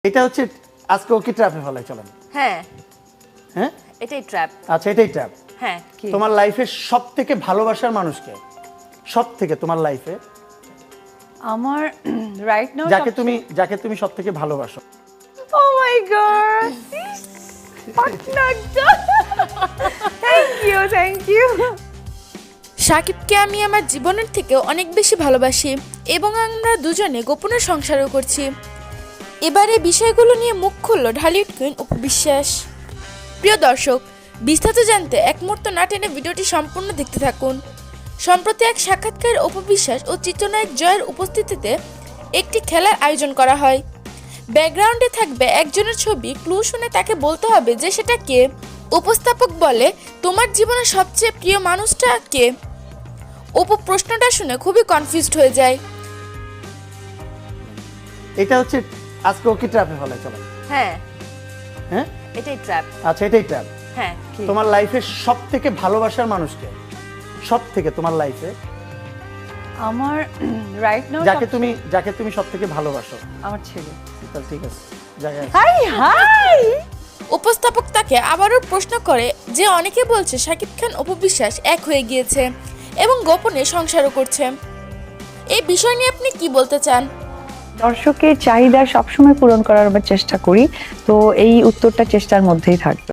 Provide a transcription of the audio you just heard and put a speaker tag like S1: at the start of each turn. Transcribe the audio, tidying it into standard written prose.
S1: এটা হচ্ছে আজকে ওকে ট্র্যাপে ফেলাই চলেন।
S2: হ্যাঁ
S1: হ্যাঁ
S2: এটাই ট্র্যাপ।
S1: আচ্ছা এটাই ট্র্যাপ।
S2: হ্যাঁ কি
S1: তোমার লাইফে সবথেকে ভালোবাসার মানুষকে, সবথেকে তোমার লাইফে
S3: আমার রাইট নাও
S1: যাকে তুমি সবথেকে ভালোবাসো।
S3: Oh my god thank you
S4: সাকিবকে আমি আমার জীবনের থেকে অনেক বেশি ভালোবাসি এবং আমরা দুজনে গোপনে সংসারও করছি। এবারে বিষয়গুলো নিয়ে মুখ খুলল ঢালিউড কুইন অপু বিশ্বাস। প্রিয় দর্শক, বিস্তারিত জানতে এক মুহূর্ত না টেনে ভিডিওটি সম্পূর্ণ দেখতে থাকুন। সম্প্রতি এক সাক্ষাৎকারে অপু বিশ্বাস ও চিত্রনায়ক জয়ের উপস্থিতিতে একটি খেলার আয়োজন করা হয়। ব্যাকগ্রাউন্ডে থাকবে একজনের ছবি, ক্লু শুনে তাকে বলতে হবে যে সেটা কে। উপস্থাপক বলে, তোমার জীবনের সবচেয়ে প্রিয় মানুষটা কে? অপু প্রশ্নটা শুনে খুবই কনফিউজড হয়ে যায়।
S1: এটা হচ্ছে আজকে ওকে ট্র্যাপে ফেলাই চলেন।
S2: হ্যাঁ
S1: হ্যাঁ
S2: এটাই ট্র্যাপ।
S1: আচ্ছা এটাই ট্র্যাপ।
S2: হ্যাঁ কি
S1: তোমার লাইফে সবথেকে ভালোবাসার মানুষকে, সবথেকে তোমার লাইফে
S3: আমার রাইট নাও
S1: যাকে তুমি সবথেকে ভালোবাসো।
S3: আমার ছেলে।
S1: তাহলে ঠিক আছে, জায়গায় আছে।
S3: হাই
S4: উপস্থাপক তাকে আবারও প্রশ্ন করে যে অনেকে বলছে শাকিব খান অপু বিশ্বাস এক হয়ে গিয়েছে এবং গোপনে সংসারও করছে। এই বিষয় নিয়ে আপনি কি বলতে চান?
S3: দর্শকের চাহিদা সবসময় পূরণ করার আমরা চেষ্টা করি, তো এই উত্তরটা চেষ্টার মধ্যেই থাকবে।